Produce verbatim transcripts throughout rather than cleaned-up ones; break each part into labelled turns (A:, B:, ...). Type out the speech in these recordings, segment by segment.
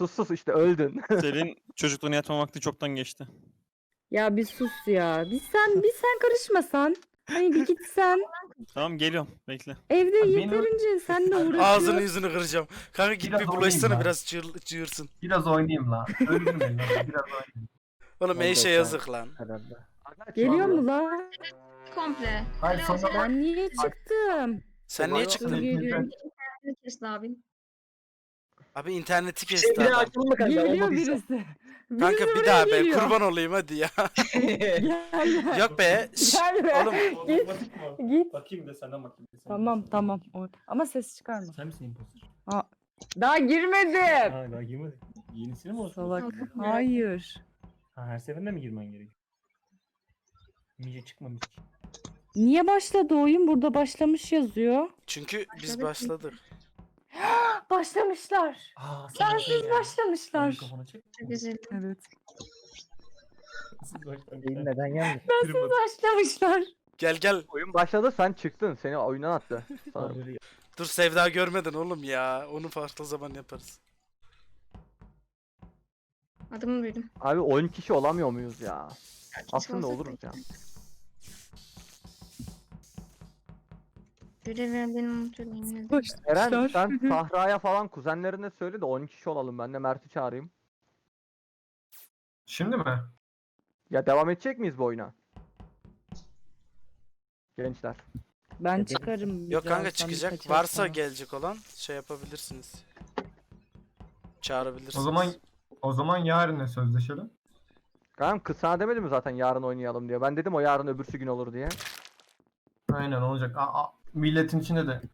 A: sus sus işte öldün.
B: Selin çocukluğunu yatma vakti çoktan geçti.
C: Ya bir sus ya. Bir sen bir sen karışmasan. Hani bir gitsen.
B: Tamam geliyorum bekle.
C: Evde
D: Abi benim-
C: yeterince sen de
E: Ağzını
C: uğraşıyorsun.
E: yüzünü kıracağım. Kanka git
D: Biraz
E: bir
D: oynayayım
E: bulaşsana
D: lan.
E: biraz çığır, çığırsın.
D: Biraz oynayayım la. Öldürmeyin lan. Biraz oynayayım.
E: Oğlum
F: Oldu
E: eşe
F: sen.
E: yazık lan.
F: Herhalde.
C: Geliyor mu la?
G: Komple.
D: Hayır sonra ben...
C: Ben niye çıktım?
E: Sen
A: Vay
E: niye
A: be.
E: çıktın?
C: Geliyor.
G: Ne kesti abin?
E: Abi interneti
F: Şey
E: kesti
F: bir daha
E: adam.
F: açalım mı kanka?
C: Geliyor
F: Olmadıysa.
C: birisi.
E: Kanka
C: Birisi
E: bir
C: buraya
E: daha be
C: geliyor.
E: kurban olayım hadi ya.
C: Gel.
E: Yok be. şş,
C: Gel be.
E: Oğlum
C: Git. Git.
D: Bakayım da senden bakayım. Sen
C: Tamam tamam. O- Ama ses çıkarma.
D: Sen misin imposter?
C: Daha girmedim.
D: Ha daha girmedi. Yenisini mi olsun?
C: Salak.
G: Yok.
C: Hayır.
D: Ha her seferinde mi girmen gerekiyor? Mice çıkmamış.
C: Niye başladı oyun? Burada başlamış yazıyor.
E: çünkü biz
G: Başladık.
E: başladık.
C: Başlamışlar.
D: Aa
C: Sensiz başlamışlar.
D: Mikrofonu çek.
G: Çok üzüldüm.
C: Evet.
D: Siz baştan
F: Değil, neden gelmiş?
C: Başlamışlar.
E: Gel gel.
A: Oyun başladı sen çıktın. Seni oyundan attı. Sanırım.
E: Dur Sevda görmedin oğlum ya. Onu farklı zaman yaparız.
G: Adımı duydum.
A: Abi on kişi olamıyor muyuz ya? Aslında
G: olsak
A: oluruz
G: da-
A: ya.
G: Görev verdiğini unutuyorum yemin ederim.
A: Eren
C: Başlamışlar.
A: sen Sahra'ya falan kuzenlerine söyle de on kişi olalım. Ben de Mert'i çağırayım.
D: Şimdi mi?
A: Ya devam edecek miyiz bu oyuna? Gençler.
C: Ben çıkarım.
E: Yok kanka
C: birazdan
E: çıkacak.
C: birkaç
E: Varsa
C: sonra.
E: gelecek olan şey yapabilirsiniz. Çağırabilirsiniz.
D: O zaman o zaman yarına sözleşelim.
A: Kanka kız sana demedi mi zaten yarın oynayalım diye. Ben dedim o yarın öbürsü gün olur diye.
D: Aynen olacak. Aa, aa, milletin içinde de.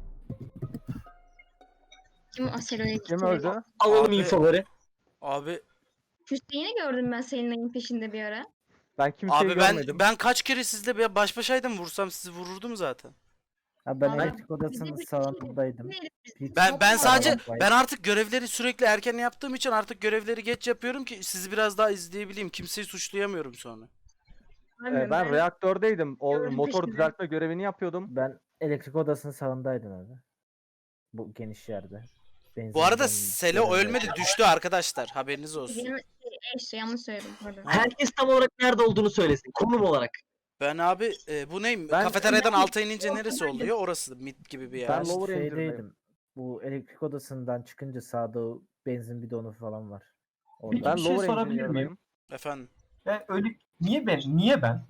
G: Kim Aselo'ya gitti?
A: Kim öldü?
F: Alalım
E: Abi-
F: infoları.
E: Abi
G: Hüseyin'i gördüm ben senin ayın peşinde bir ara.
A: Ben kimseyi
E: abi ben
A: görmedim.
E: ben kaç kere sizle bir baş başaydım vursam sizi vururdum zaten.
F: Ha, ben
G: Abi,
F: elektrik odasının
G: bize bir
F: salonundaydım.
G: şey-
F: Hiç-
E: Ben ben
G: Yok,
E: sadece
F: yok.
E: ben artık görevleri sürekli erken yaptığım için artık görevleri geç yapıyorum ki sizi biraz daha izleyebileyim. Kimseyi suçlayamıyorum sonra.
A: Ee, ben reaktördeydim. O
G: Gördüm
A: motor
G: peşinde.
A: düzeltme görevini yapıyordum.
F: Ben elektrik odasının salondaydım abi. Bu geniş yerde. Benzin
E: Bu arada
F: ben-
E: Selo ölmedi düştü arkadaşlar haberiniz olsun.
G: Benim eşte yanlış söyledim pardon.
F: Herkes tam olarak nerede olduğunu söylesin. Konum olarak.
E: Ben abi e, bu neyim?
A: Ben-
E: Kafeteryadan alta inince neresi oluyor? Orası mid gibi bir yer.
A: Ben
F: Ben
A: lower engine'deyim.
F: şeydeydim. Bu elektrik odasından çıkınca sağda o benzin bidonu falan var.
D: Peki,
F: Orada.
A: Ben
D: bir şey
A: lower
D: sorabilir miyim?
A: engineer'dayım.
E: Efendim.
D: Ben öyle niye ben? Niye ben?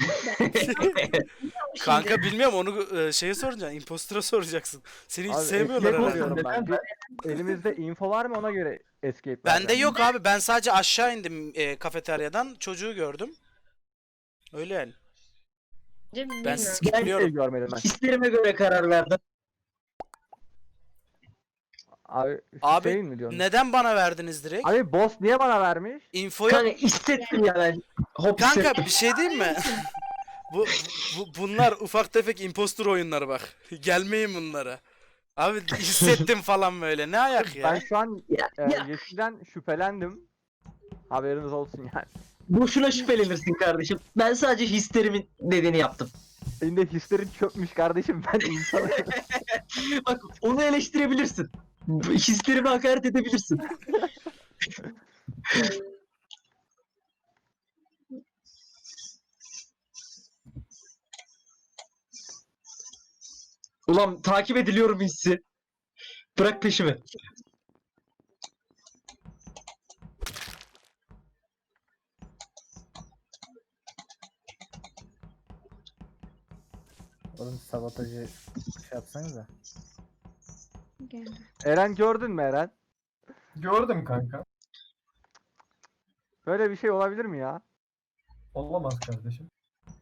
E: Kanka bilmiyorum onu e, şeye soracaksın. Impostor'a soracaksın. Seni hiç
A: Abi,
E: sevmiyorlar
A: escape
E: herhalde.
A: oluyorum ben. Bir- Elimizde info var mı ona göre escape
E: Bende
A: vereceğim.
E: yok abi. Ben sadece aşağı indim e, kafeteryadan. Çocuğu gördüm. Öyle yani. Ben
G: Bilmiyorum.
E: sizi
A: Hiçbir şey
E: skipliyorum.
A: görmedim ben.
F: Hislerime göre karar verdim.
A: Abi,
E: Abi,
A: Hüseyin mi diyorsun?
E: Neden bana verdiniz direkt?
A: Abi boss niye bana vermiş?
E: Infoyu...
F: Kanka hissettim ya ben. Hop
E: Kanka
F: hissettim.
E: bir şey diyeyim mi? bu, bu bunlar ufak tefek impostor oyunları bak. Gelmeyin bunlara. Abi hissettim falan böyle. Ne ayak ya?
A: Ben şu an
F: Ya,
A: e,
F: ya.
A: Yeşil'den şüphelendim. Haberiniz olsun yani.
F: Boşuna şüphelenirsin kardeşim. Ben sadece hislerimin dediğini yaptım.
A: Senin de hislerin çökmüş kardeşim ben insanım.
F: Bak onu eleştirebilirsin. Hislerime hakaret edebilirsin. Ulan takip ediliyorum hissi. Bırak peşimi. Oğlum sabotajı şey yapsanıza.
G: Geldi.
A: Eren gördün mü Eren?
D: Gördüm kanka.
A: Böyle bir şey olabilir mi ya?
D: Olamaz kardeşim.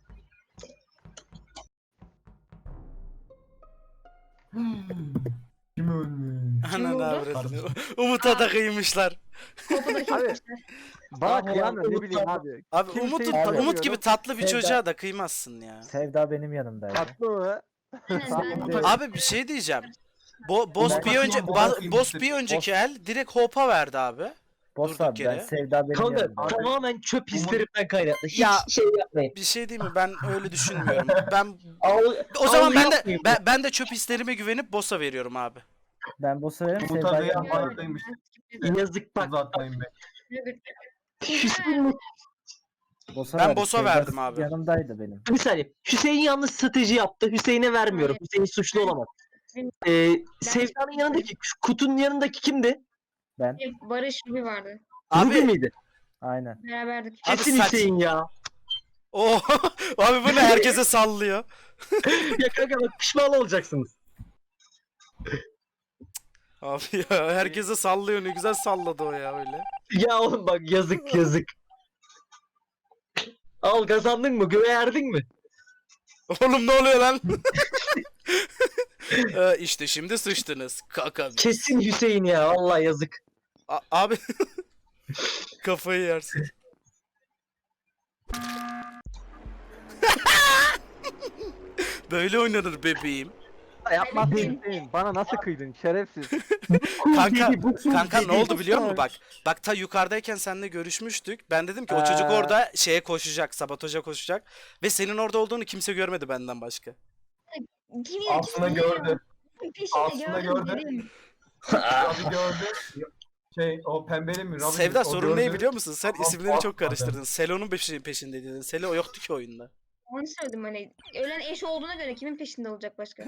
D: Kim ölmüş?
E: Ananı
G: oldu?
E: avradını. Umut'a da kıymışlar.
G: Kapıdaki
A: Abi,
G: arkadaşlar.
A: Bana
F: Abi,
A: kıyamıyor ne
F: Umut
A: bileyim
F: tamam.
A: abi.
E: Abi
A: Kimseyi
E: Umut,
A: tanımıyorum.
E: Umut gibi tatlı bir
F: Sevda-
E: çocuğa da kıymazsın ya.
F: Sevda benim yanımdaydı.
A: Tatlı mı?
G: Aynen, ben-
F: Evet.
E: Abi bir şey diyeceğim. Bo boss
D: Ben
E: bir önce
D: bakayım,
E: ba-
D: bakayım
E: boss
D: işte.
E: bir önceki el direkt hope'a verdi abi.
F: Boss
E: durduk
F: abi ben
E: yere.
F: Sevda benim
H: Kanka
F: yanımdaydı.
H: tamamen çöp hislerimden kaynaklı. Hiç
E: Ya-
H: şey yapmayın.
E: Bir şey değil mi? Ben öyle düşünmüyorum. Ben
H: Al,
E: o zaman
H: al
E: ben de
H: yapmayın.
E: ben, ben de çöp hislerime güvenip boss'a veriyorum abi.
F: Ben boss'a veririm.
I: Umut
F: Sevda'ya
I: Aga'ya
F: vermem.
I: farklıymış.
H: Yazık bak.
I: Uzatmayın be.
H: Hüseyin,
F: Boss'a
E: Ben
F: verdim.
E: boss'a
F: Sevda
E: verdim abi.
F: Yanımdaydı benim.
H: bir saniye. Hüseyin yanlış strateji yaptı. Hüseyin'e vermiyorum.
G: Hayır.
H: Hüseyin suçlu olamaz. Ee, Sevda'nın
G: Ben-
H: yanındaki, şu kutunun yanındaki kimdi?
F: Ben.
G: Barış bir vardı.
H: Ruby
E: Abi
H: miydi?
F: Aynen.
G: Beraberdik.
E: Abi
H: Kesin
E: saç-
H: Hüseyin ya.
E: o abi bu ne herkese sallıyor.
H: Ya kanka bak pişman olacaksınız.
E: Abi ya herkese sallıyor, ne güzel salladı o ya öyle.
H: Ya oğlum bak yazık yazık. Al kazandın mı? Göğe erdin mi?
E: Oğlum ne oluyor lan? ee, işte şimdi sıçtınız. Kaka.
H: Kesin Hüseyin ya. Vallahi yazık.
E: A- abi kafayı yersin. Böyle oynanır bebeğim.
A: Yapmazsın
G: Hayır.
A: Hüseyin. Bana nasıl kıydın şerefsiz.
E: Kanka,
H: Dedi, bu kim
E: kanka
H: dedi?
E: ne oldu biliyor musun bak? Bak ta yukarıdayken seninle görüşmüştük. Ben dedim ki o çocuk
A: Ee.
E: orada şeye koşacak, sabotaja koşacak. Ve senin orada olduğunu kimse görmedi benden başka.
G: Kim
I: Aslında gördü.
G: Peşinde
I: Aslında
G: gördüm.
I: gördü.
G: dedim.
I: Abi gördü. Şey o pembeli mi? Robin
E: Sevda
I: mi? O
E: sorun ne
I: gördü.
E: biliyor musun? Sen
I: Ama
E: isimleri çok
I: bakmadı.
E: karıştırdın. Selo'nun peşi- peşindeydin. Selo yoktu ki oyunda.
G: Onu söyledim hani. Ölen eş olduğuna göre kimin peşinde olacak başka?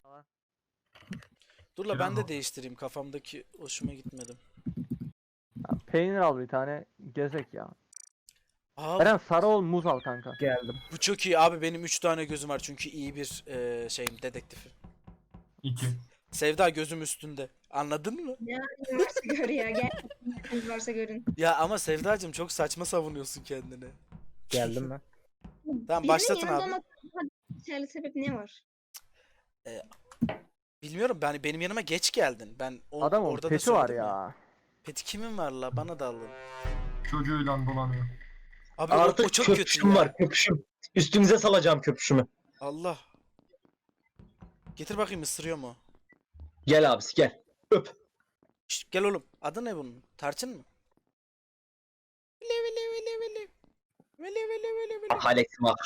E: Dur la ben de
I: Bravo.
E: değiştireyim. Kafamdaki hoşuma gitmedi.
A: Ya, peynir al bir tane. Gezek ya.
E: Aa,
A: Eren sarı ol muz al kanka.
F: Geldim.
E: bu çok iyi abi. Benim üç tane gözüm var çünkü iyi bir e, şeyim dedektifim.
I: İki.
E: Sevda gözüm üstünde. Anladın mı?
G: Ne halin varsa gör ya. Gel. Ne haliniz varsa görün.
E: Ya ama Sevdacığım çok saçma savunuyorsun kendini.
F: Geldim ben.
E: Tamam
G: Birinin
E: başlatın
G: yanında
E: abi.
G: olmak- Yeterli sebep ne var?
E: Bilmiyorum ben benim yanıma geç geldin. Ben o,
A: Adamın
E: orada da
A: peti var
E: söyledim
A: ya.
E: Peti kimin var la? Bana da alın.
I: Çocuğuyla dolanıyor.
E: Abi o, o
H: Artık
E: çok kötü
H: köpüşüm
E: ya.
H: var köpüşüm. Üstünüze salacağım köpüşümü.
E: Allah. Getir bakayım ısırıyor mu?
H: Gel abisi gel. Öp.
E: Şşt, gel oğlum. Adı ne bunun? Tarçın mı? Vili vili vili vili. Vili vili vili vili.
H: Haleksim abi.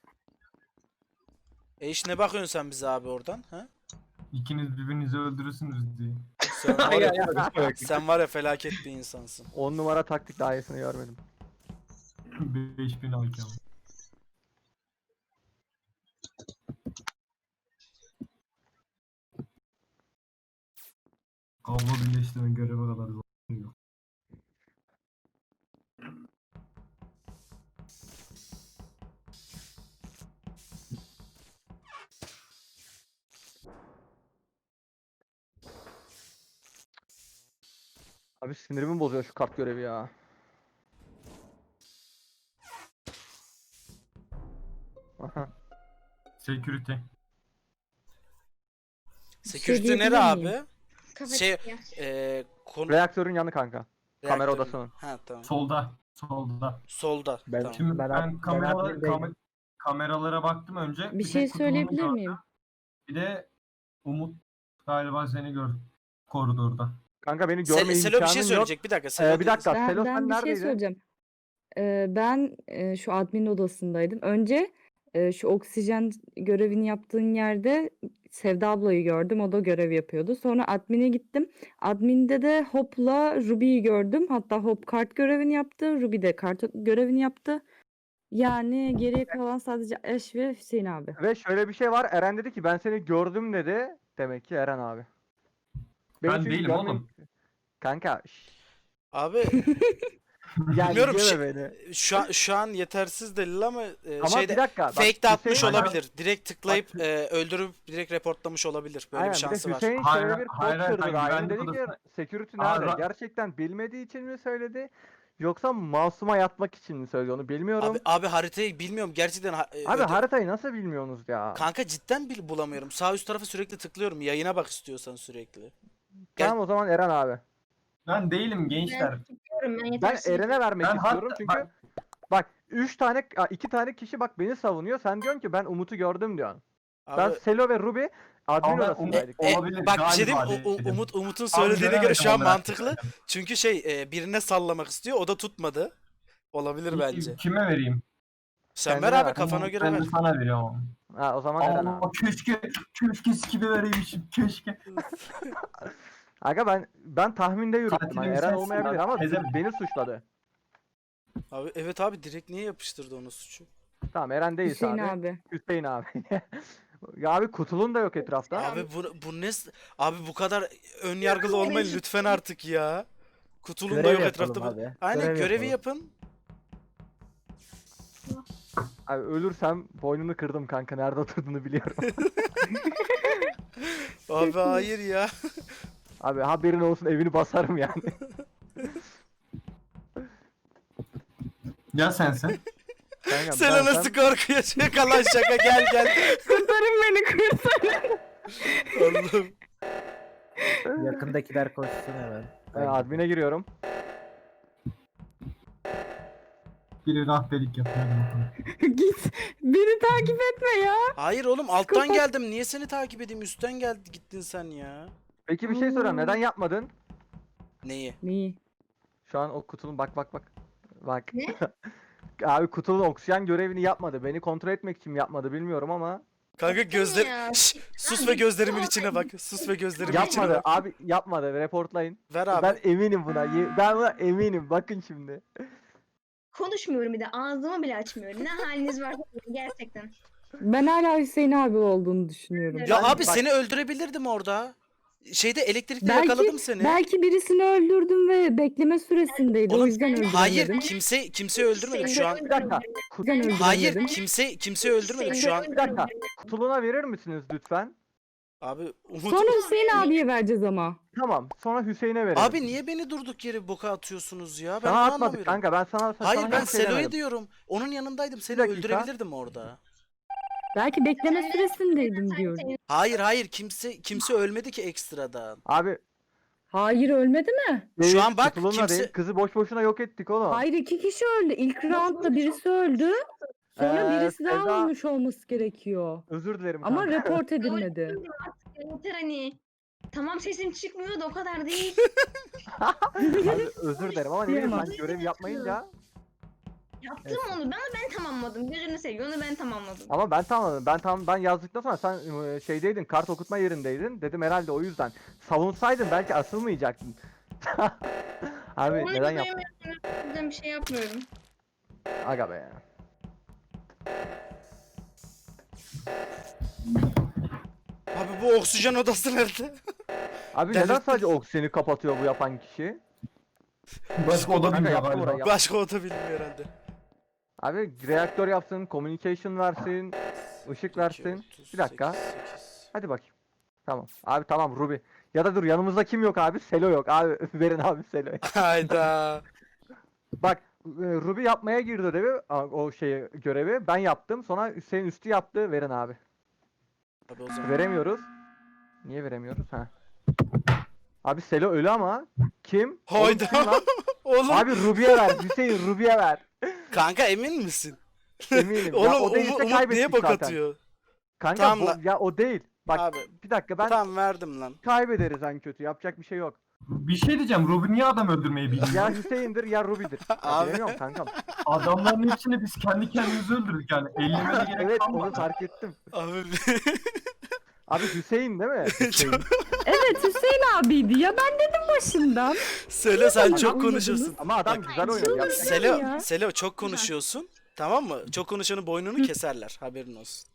E: E iş ne bakıyorsun sen bize abi oradan? Ha?
I: İkiniz birbirinizi öldürürsünüz diye.
E: Sen var
H: Hayır
E: ya,
H: hayır. hayır.
E: sen var ya felaket bir insansın.
A: on numara taktik daha iyisini görmedim.
I: beş bin I Q. Kablo birleştirme göreve kadar zor yok.
A: Abi sinirimi bozuyor şu kart görevi ya. Aha.
I: Security.
E: Security
C: diyebilir
E: nere abi?
C: miyim?
G: Kafa
E: Şey,
G: ya.
E: e, konu...
A: Reaktörün yanı kanka. kamera
E: reaktörün-
A: odasının.
E: Ha tamam.
I: Solda. Solda.
E: Solda.
F: Ben-
E: Tamam.
I: Şimdi
F: Ben
I: ben,
F: ad- ben
I: kameralara,
F: admindeyim.
I: kame- kameralara baktım önce.
C: Bir
I: tek
C: şey
I: kutumunu
C: söyleyebilir
I: gördüm.
C: miyim?
I: Bir de Umut galiba seni gör koridorda.
A: Kanka beni
E: Sel-
A: görme
E: Selo bir
A: imkanın
E: şey
A: yok.
E: söyleyecek. Bir dakika.
A: Ee,
E: Selo
A: bir
E: değil-
A: dakika.
C: Ben,
A: Selo
C: ben
A: sen
C: bir şey
A: neredeydin?
C: söyleyeceğim. Ee, ben e, şu admin odasındaydım. Önce e, şu oksijen görevini yaptığın yerde Sevda ablayı gördüm. O da görev yapıyordu. Sonra admin'e gittim. Admin'de de Hop'la Ruby'yi gördüm. Hatta Hop kart görevini yaptı. Ruby de kart görevini yaptı. Yani geriye kalan sadece Ash ve Hüseyin abi.
A: Ve şöyle bir şey var. Eren dedi ki ben seni gördüm dedi. Demek ki Eren abi. Beni
I: Ben
A: çünkü
I: değilim
A: görme-
I: oğlum.
A: Kanka. şşş.
E: Abi
A: Yani
E: Bilmiyorum,
A: yeme
E: şey-
A: beni.
E: şu an, şu an yetersiz delil ama e,
A: Ama
E: şeyde
A: bir dakika. bak,
E: fake de atmış
A: Hüseyin-
E: olabilir. Direkt tıklayıp e, öldürüp direkt reportlamış olabilir. Böyle
A: Aynen,
E: bir
A: bir de
E: şansı var.
A: Hüseyin
I: Hayır,
A: şöyle bir
I: hayır,
A: kod
I: hayır,
A: kırdı.
I: hayır,
A: Ryan
I: güvenlik
A: dedi ki
I: odası-
A: security
I: Aa,
A: nerede?
I: Ra-
A: Gerçekten bilmediği için mi söyledi? Yoksa masuma yatmak için mi söyledi onu bilmiyorum.
E: Abi, abi haritayı bilmiyorum gerçekten. ha- e,
A: Abi
E: öde-
A: haritayı nasıl bilmiyorsunuz ya?
E: Kanka cidden bil bulamıyorum. Sağ üst tarafa sürekli tıklıyorum. Yayına bak istiyorsan sürekli. Gel-
A: Tamam o zaman Eren abi.
I: Ben değilim gençler.
G: Ben tutuyorum ben
A: Ben
G: yetersiz.
A: Eren'e vermek
I: Ben
A: istiyorum
I: hatta-
A: çünkü
I: bak-
A: bak üç tane a, iki tane kişi bak beni savunuyor. Sen diyorsun ki ben Umut'u gördüm diyorsun.
E: Abi,
A: Ben Selo ve Ruby admin
I: Ama ben
A: odasındaydık.
I: Umut-
E: e,
I: olabilir,
E: bak bir şey diyeyim mi?
I: galiba
E: U- U-
I: dedim.
E: Umut Umut'un
I: Abi
E: söylediğine göre
I: göremedim
E: şu an
I: olarak
E: mantıklı.
I: söyledim.
E: Çünkü şey e, birine sallamak istiyor. O da tutmadı. Olabilir bence.
I: Kime vereyim?
E: Sen
A: Kendine
E: ver abi
A: ver.
E: kafana göre
I: Ben
E: ver.
I: de sana veriyorum.
A: Ha, o zaman Eren
I: Aa,
A: abi.
I: keşke, keşke skibi vereymişim, keşke.
A: Aga ben ben tahminde yürüttüm.
I: Katilin
A: Hani Eren
I: sensin
A: olmayabilir
I: abi,
A: ama
I: teyze mi?
A: beni suçladı.
E: Abi evet abi direkt niye yapıştırdı onu suçu?
A: Tamam Eren değil
C: Hüseyin
A: abi.
C: abi.
A: Hüseyin abi. Ya abi kutulun da yok etrafta.
E: Abi bu bu ne s- abi bu kadar ön yargılı olmayın lütfen artık ya. Kutulun da
F: Görev
E: yok
F: yapalım
E: etrafta. bu-
F: abi.
E: Aynen
F: Görev
E: görevi
F: yapalım.
E: yapın.
A: Abi ölürsem boynunu kırdım kanka. Nerede oturduğunu biliyorum.
E: Abi hayır ya.
A: Abi haberin olsun evini basarım yani.
I: Ya sensin.
A: Kanka,
E: Selo
A: ben-
E: nasıl korkuyor? Şaka lan şaka gel gel.
C: Kurtarın beni kurtarın.
E: Allah'ım.
F: Yakındakiler koşsun hemen.
A: Ben admin'e giriyorum.
I: Biri rahberlik yapıyor. hadi bakalım.
C: Git. Beni takip etme ya.
E: Hayır oğlum alttan
C: Kapat.
E: geldim. Niye seni takip edeyim? Üstten gel gittin sen ya.
A: Peki bir şey soracağım.
C: Hmm.
A: Neden yapmadın?
E: Neyi?
C: Neyi?
A: Şu an o kutunun bak bak bak. Bak.
G: Ne?
A: Abi kutunun oksijen görevini yapmadı. Beni kontrol etmek için yapmadı bilmiyorum ama.
E: Kanka gözler
G: ya.
E: Şşş, sus ve gözlerimin içine bak. Sus ve gözlerimin içine
A: Yapmadı
E: bak.
A: abi yapmadı. Reportlayın.
E: Ver abi.
A: Ben eminim buna. ye- Ben buna eminim. Bakın şimdi.
G: Konuşmuyorum bir de ağzımı bile açmıyorum. Ne haliniz varsa gerçekten.
C: Ben hala Hüseyin abi olduğunu düşünüyorum.
E: Ya
A: Ben-
E: abi
A: bak-
E: seni öldürebilirdim orada. Şeyde elektrikte
C: Belki-
E: yakaladım seni.
C: Belki birisini öldürdüm ve bekleme süresindeydi.
E: Oğlum,
C: o yüzden öldüremedim.
E: Hayır kimse kimseyi öldürmedik şu an.
A: Bir dakika.
C: O yüzden öldüremedim.
E: Hayır kimse kimseyi öldürmedik şu an.
A: Bir dakika. Kutuluğuna verir misiniz lütfen?
E: Abi Umut.
C: Sonra Hüseyin abiye vereceğiz ama.
A: Tamam. Sonra Hüseyin'e verelim.
E: Abi niye beni durduk yere boka atıyorsunuz ya? Ben
A: Sana
E: bunu
A: atmadık
E: anlamıyorum.
A: kanka. Ben sana sana
E: Hayır ben
A: hiçbir şey
E: Selo'yu
A: demedim.
E: diyorum. Onun yanındaydım. Seni
A: dakika.
E: öldürebilirdim orada.
C: Belki bekleme süresindeydim diyorum.
E: Hayır hayır kimse kimse ölmedi ki ekstradan.
A: Abi
C: Hayır ölmedi mi?
E: Şu an bak,
A: kutuluğuna
E: kimse-
A: değil. Kızı boş boşuna yok ettik oğlum.
C: Hayır iki kişi öldü. İlk roundda birisi öldü. Sonra
A: Ee,
C: birisi daha
A: Sevda-
C: ölmüş olması gerekiyor.
A: Özür dilerim
C: Ama
A: kanka.
C: report edilmedi.
G: Yeter hani. Tamam sesim çıkmıyor da o kadar değil.
A: Abi özür dilerim ama ne bileyim ben
C: Diyemem.
A: görev yapmayınca.
G: Yaptım onu ben ama ben tamamladım. Gözünü seveyim onu ben tamamladım.
A: Ama ben tamamladım. Ben tam ben yazdıktan sonra sen e, şeydeydin, kart okutma yerindeydin. Dedim herhalde o yüzden. Savunsaydın belki asılmayacaktın. Abi
G: Onu
A: neden yaptın?
G: duyamıyorum. O yüzden bir şey yapmıyorum.
A: Aga be.
E: Abi bu oksijen odası nerede?
A: Abi
E: Delirttin.
A: neden sadece oksijeni kapatıyor bu yapan kişi?
I: Başka oda
A: Kanka
I: bilmiyor
A: yaptım
I: galiba.
A: orayı.
E: Başka oda bilmiyor herhalde.
A: Abi reaktör yapsın, communication versin, ışık versin. Bir dakika. Hadi bakayım. Tamam. Abi tamam Ruby. Ya da dur yanımızda kim yok abi? Selo yok. Abi verin abi Selo'yu.
E: Hayda.
A: Bak e, Ruby yapmaya girdi ödevi, a- o şeyi görevi. Ben yaptım. Sonra Hüseyin üstü yaptı. Verin abi.
E: Abi o zaman.
A: Veremiyoruz. Niye veremiyoruz? Ha. Abi Selo ölü ama kim? Oğlum
E: Hayda.
A: kim lan?
E: Oğlum
A: Abi Ruby'ye ver. Hüseyin Ruby'ye ver.
E: kanka emin misin?
A: Eminim. ya,
E: Oğlum
A: o değilse
E: Umut, Umut
A: kaybettik
E: niye bok
A: zaten.
E: atıyor?
A: Kanka
E: Tamam
A: bu-
E: lan.
A: ya o değil. Bak
E: Abi
A: bir dakika ben
E: tamam verdim lan.
A: kaybederiz en kötü. Yapacak bir şey yok.
I: Bir şey diyeceğim. Robin niye adam öldürmeyi bilmiyor?
A: Ya Hüseyin'dir ya Ruby'dir. Ya
E: Abi.
A: bilemiyorum kankam.
I: Adamların hepsini biz kendi kendimize öldürdük yani. Ellemene gerek
A: Evet
I: kalmadı.
A: onu fark ettim.
E: Abi
A: Abi Hüseyin değil mi? Hüseyin.
C: Evet Hüseyin abiydi ya ben dedim başından.
E: Selo sen
C: Tamam,
E: çok
C: anladınız.
E: konuşuyorsun.
A: Ama adam
E: Bak,
A: güzel oynadı. Yapacak-
E: Selo,
C: ya.
E: Selo çok konuşuyorsun. Tamam mı? Çok konuşanın boynunu keserler. Haberin olsun.